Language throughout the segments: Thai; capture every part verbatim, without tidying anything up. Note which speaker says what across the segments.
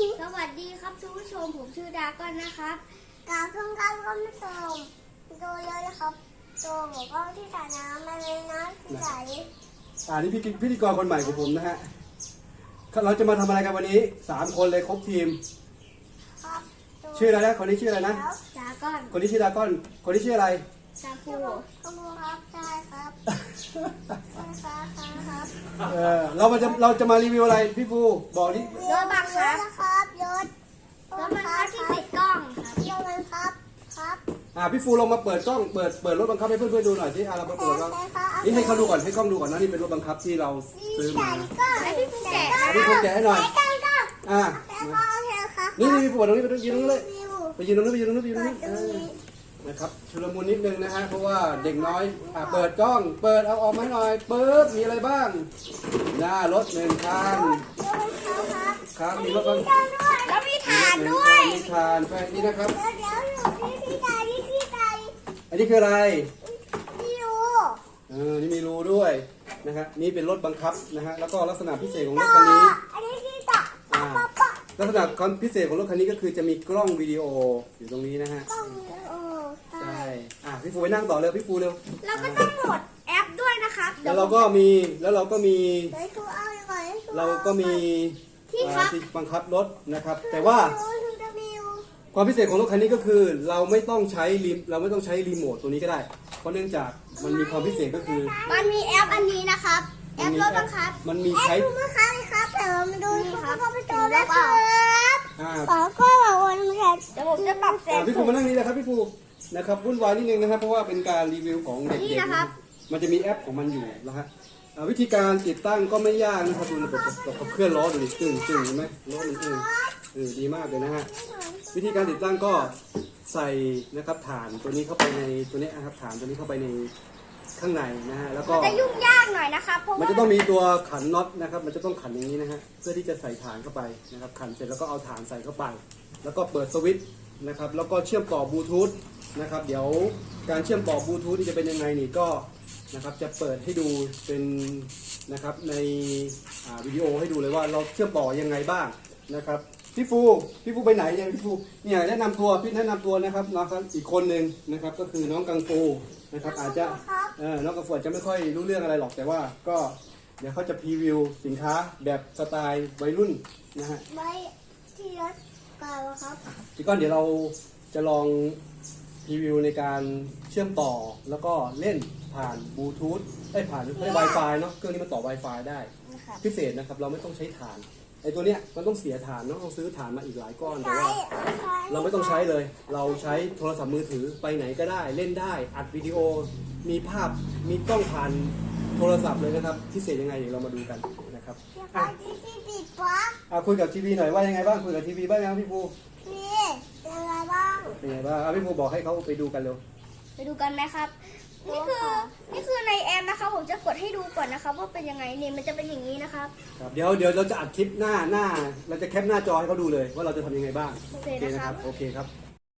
Speaker 1: สวัสดีครับทุกผู้ชมผมชื่อดาก้อนนะครับ
Speaker 2: กาเพิ่งการก็ไม่ชมดูเลยนะครับตัวผมก็ที่สระน้ำมาเลยนะที่ไหน
Speaker 3: อ่านี่พี่พิธีกรคนใหม่ของผมนะฮะเราจะมาทำอะไรกันวันนี้สามคนเลยครบทีม
Speaker 2: ครับ
Speaker 3: ชื่ออะไรนะคนนี้ชื่ออะไรนะ
Speaker 1: ดาก้อน
Speaker 3: คนนี้ชื่อดาก้อนคนนี้ชื่ออะไร
Speaker 1: ดาคู
Speaker 2: ขโมยครับใช่ครับใช่ครับครับ
Speaker 3: เออเรามาจะเราจะมารีวิวอะไรพี่ฟูบอกนี่
Speaker 1: รถบังคับ
Speaker 2: ครับยศ
Speaker 1: รถบังคับที่ติดกล้องครับ
Speaker 2: ยศบังคับครับ
Speaker 3: อ่าพี่ฟูลองมาเปิดกล้องเปิดเปิดรถบังคับให้เพื่อนๆดูหน่อยที่อ่าเรามาเปิดแล้วนี่ให้เขาดูก่อนให้กล้องดูก่อนนะนี่เป็นรถบังคับที่เราซื้อมา
Speaker 1: ให้พี่ฟูแกะ
Speaker 3: พี่ฟูแกะให้หน่อยอ่านี่นี่พี่ฟูตรงนี้ไปยืนตรงนี้เลยไปยืนตรงนู้นไปยืนตรงนู้นไปยืนตรงนี้นะครับชุลมุนนิดนึงนะฮะเพราะว่าเด็กน้อยอ่าเปิดกล้องเปิดเอาออกมาหน่อยเปิดมีอะไรบ้างหน้ารถหนึ่งคันครับมีรถบังคับ
Speaker 1: แล้วมีฐานด้วย
Speaker 3: มีฐานแฟนนี่นะครับ
Speaker 2: เดี๋ยวเดี๋ยวอยู่ที่ที่ใดที่ที่ใด
Speaker 3: อันนี้คืออะไร
Speaker 2: ไม่รู้
Speaker 3: เออนี่มีรูด้วยนะครับนี่เป็นรถบังคับนะฮะแล้วก็ลักษณะพิเศษของรถคันนี้
Speaker 2: อันนี้ที่ต่อ
Speaker 3: อ่าลักษณะความพิเศษของรถคันนี้ก็คือจะมีกล้องวิดีโออยู่ตรงนี้นะฮะใช่อ่ะพี่ฟูไปนั่งต่อเร็วพี่ฟูเร็ว
Speaker 1: เราก็ต้องโหลดแอปด้วยนะครับ
Speaker 3: แล้วเราก็มีแล้วเราก็มีเราก็มี
Speaker 1: ที่ครับ
Speaker 3: บังคับรถนะครับแต่ว่าความพิเศษของรถคันนี้ก็คือเราไม่ต้องใช้รีเราไม่ต้องใช้รีโมทตัวนี้ก็ได้เพราะเนื่องจากมันมีความพิเศษก็คือ
Speaker 1: มันมีแอปอันนี้นะครับแอปรถบังคับ
Speaker 3: มันมีใช้
Speaker 2: แอปบังคับครับแต่เราไม่ดูครับก็ไปดูได้ครับขอก็บอกวันนี้
Speaker 1: เดี๋ยวผมจะปรับแสง
Speaker 3: พี่ฟูมานั่งนี่นะครับพี่ฟูนะครับวุ่นวายนิดนึงนะครับเพราะว่าเป็นการรีวิวของเด็กๆนะครับมันจะมีแอปของมันอยู่นะฮะวิธีการติดตั้งก็ไม่ยากนะครับดูระบบกับเคลื่อนล้อดูดิตึงตึงเห็นไหมล้อมันตึงเออดีมากเลยนะฮะวิธีการติดตั้งก็ใส่นะครับฐานตัวนี้เข้าไปในตัวนี้นะครับฐานตัวนี้เข้าไปในข้างในนะฮะแล้วก็
Speaker 1: จะยุ่งยากหน่อยนะครับเพราะ
Speaker 3: มันจะต้องมีตัวขันน็อตนะครับมันจะต้องขันอย่างนี้นะฮะเพื่อที่จะใส่ฐานเข้าไปนะครับขันเสร็จแล้วก็เอาฐานใส่เข้าไปแล้วก็เปิดสวิตช์นะครับแล้วก็เชื่อมต่อบลูทูธนะครับเดี๋ยวการเชื่อมต่อบลูทูธจะเป็นยังไงนี่ก็นะครับจะเปิดให้ดูเป็นนะครับในวิดีโอให้ดูเลยว่าเราเชื่อมต่อยังไงบ้างนะครับพี่ฟูพี่ฟูไปไหนเนี่ยพี่ฟูเนี่ยแนะนำตัวพี่แนะนำตัวนะครับน้องอีกคนหนึ่งนะครับก็คือน้องกังฟูนะครับอาจจะเออน้องกังฟูจะไม่ค่อยรู้เรื่องอะไรหรอกแต่ว่าก็เดี๋ยวเขาจะพรีวิวสินค้าแบบสไตล์วัยรุ่นนะฮะ
Speaker 2: ไม่ที่รถเก่าครับ
Speaker 3: จีก้อนเดี๋ยวเราจะลองพรีวิวในการเชื่อมต่อแล้วก็เล่นผ่านบลูทูธได้ผ่านหรือได้ Wi-Fi เนาะเครื่องนี้มันต่อ Wi-Fi ได้พิเศษนะครับเราไม่ต้องใช้ฐานไอ้ตัวเนี้ยมันต้องเสียฐานเนาะต้องซื้อฐานมาอีกหลายก้อนแต่ว่าเราไม่ต้องใช้เลยเราใช้โทรศัพท์มือถือไปไหนก็ได้เล่นได้อัดวิดีโอมีภาพมีกล้องผ่านโทรศัพท์เลยนะครับพิเศษยังไงเดี๋ยวเรามาดูกันนะครับอ่ะอ่ะคุยกับทีวีหน่อยว่ายังไงบ้างคุยกับทีวีบ้างยังพี่ภู
Speaker 2: นี่เป็นไงบ้าง
Speaker 3: เป็นไงบ้างอ่ะพี่ภูบอกให้เขาไปดูกันเร็ว
Speaker 1: ไปดูกันไหมครับนี่คือนี่คือในแอปนะครับผมจะกดให้ดูก่อนนะครับว่าเป็นยังไงนี่มันจะเป็นอย่างนี้นะครับ
Speaker 3: ครับเดี๋ยวเดี๋ยวเราจะอัดคลิปหน้าหน้าเราจะแคปหน้าจอให้เขาดูเลยว่าเราจะทำยังไงบ้าง
Speaker 1: โอเคนะครับ
Speaker 3: โอเคครับ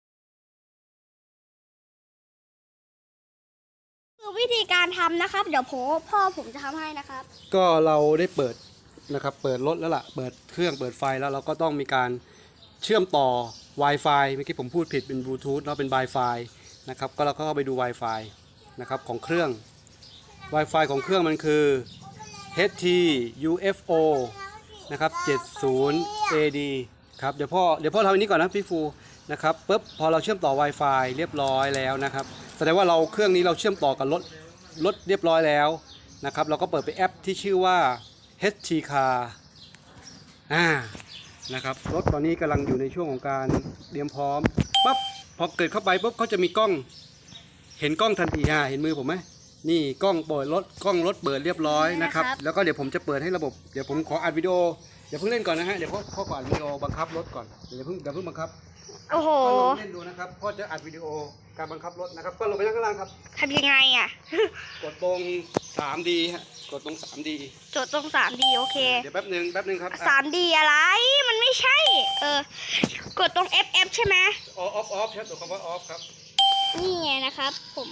Speaker 1: คือวิธีการทำนะครับเดี๋ยวพ่อพ่อผมจะทำให้นะครับ
Speaker 3: ก็เราได้เปิดนะครับเปิดรถแล้วล่ะเปิดเครื่องเปิดไฟแล้วเราก็ต้องมีการเชื่อมต่อ Wi-Fi เมื่อกี้ผมพูดผิดเป็นบลูทูธแล้วเป็น Wi-Fi นะครับก็เราก็เข้าไปดู Wi-Fi นะครับของเครื่อง Wi-Fi ของเครื่องมันคือ เอช ที ยู เอฟ โอ นะครับเจ็ดสิบ เอ ดี ครับเดี๋ยวพ่อเดี๋ยวพ่อทำอันนี้ก่อนนะพี่ฟูนะครับปุ๊บพอเราเชื่อมต่อ Wi-Fi เรียบร้อยแล้วนะครับแสดงว่าเราเครื่องนี้เราเชื่อมต่อกับรถรถเรียบร้อยแล้วนะครับเราก็เปิดไปแอปที่ชื่อว่า เอช ที Car อ่านะครับรถตอนนี้กำลังอยู่ในช่วงของการเตรียมพร้อมปั๊บพอเกิดเข้าไปปุ๊บเขาจะมีกล้องเห็นกล้องทันทีฮะเห็นมือผมไหมนี่กล้องเปิดรถกล้องรถเปิดเรียบร้อยนะครับแล้วก็เดี๋ยวผมจะเปิดให้ระบบเดี๋ยวผมขออัดวิดีโอเดี๋ยวเพิ่งเล่นก่อนนะฮะเดี๋ยวพ่อพ่อก่อนวิดีโอบังคับรถก่อนเดี๋ยวเพิ่งเดี๋ยวเพิ่งบังคับ
Speaker 1: โอ้โห
Speaker 3: พ่อลองเล่นดูนะครับพ่อจะอัดวิดีโอการบังคับรถนะครับก็ลงไปข้างล่างครับ
Speaker 1: ทำยังไงอ่ะ
Speaker 3: กดตรง สามดี ฮะกดตรง สามดี
Speaker 1: กดตรง สามดี โอเค
Speaker 3: เดี๋ยวแป๊บนึงแป๊บนึงครับ
Speaker 1: สามดี อะไรมันไม่ใช่เออกดตรง เอฟ เอฟ ใช่ไหม
Speaker 3: ออฟออฟใช่ตัวคำว่าออฟครับ
Speaker 1: นี่ไงนะครับผม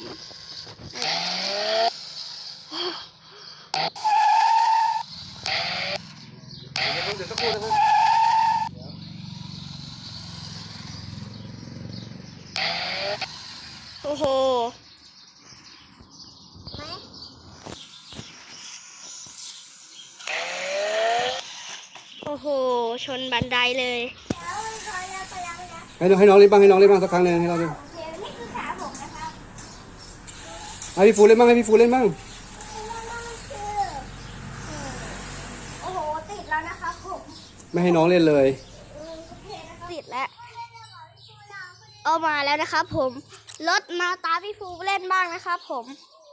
Speaker 3: เดี๋ยวเดี๋ยวสักครู่นะครับ
Speaker 1: โห
Speaker 2: ไหม
Speaker 1: โอ้โห ชนบันไดเลย
Speaker 2: แล้วพอแล้วพอแล้วนะ
Speaker 3: ให้น้องให้น้องเล่นบ้างให้น้องเล่นบ้างสักครั้งหนึ่งให้เราเล่น
Speaker 1: โอเค นี่คือขาผมนะครับ
Speaker 3: ให้พี่ฟูเล่นบ้างให้พี่ฟูเล่นบ้าง
Speaker 1: โอ้โห ติดแล้วนะครับผม
Speaker 3: ไม่ให้น้องเล่นเลย
Speaker 1: ติดแล้ว เอามาแล้วนะครับผม รถมาตามพี่ฟูเล่นบ้างนะครับผม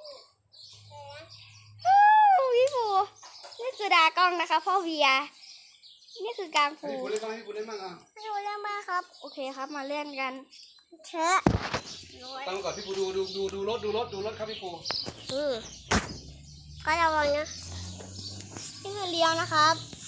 Speaker 1: ฮู้พี่ฟู นี่คือดากล้องนะคะพ่อเวีย นี่คือกลางฟู
Speaker 3: ให้พี่ฟูเล่นบ้างให้พี่ฟูเล่นบ้างอ่ะ
Speaker 1: ไม่รู้เรื่องมากครับ โอเคครับ มาเล่นกัน
Speaker 2: เชอะ
Speaker 3: ตั้งก่อนพี่ฟูดูดูดูดูรถดูรถดูรถครับพี่ฟู
Speaker 1: อือ
Speaker 2: ก็ระวังนะ
Speaker 1: นี่คือเลี้ยวนะครับ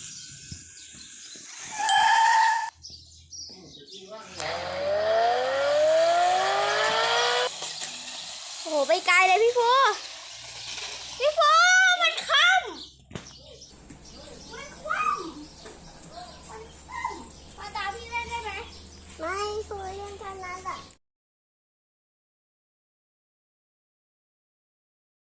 Speaker 1: โอ้โห ไปไกลเลยพี่ฟู พี่ฟู มันค่ำมันคว่ำมันคว่ำมาตามพี่เล่นได้ไหม
Speaker 2: ไม่คุยเรื่องกันนั้นแหละ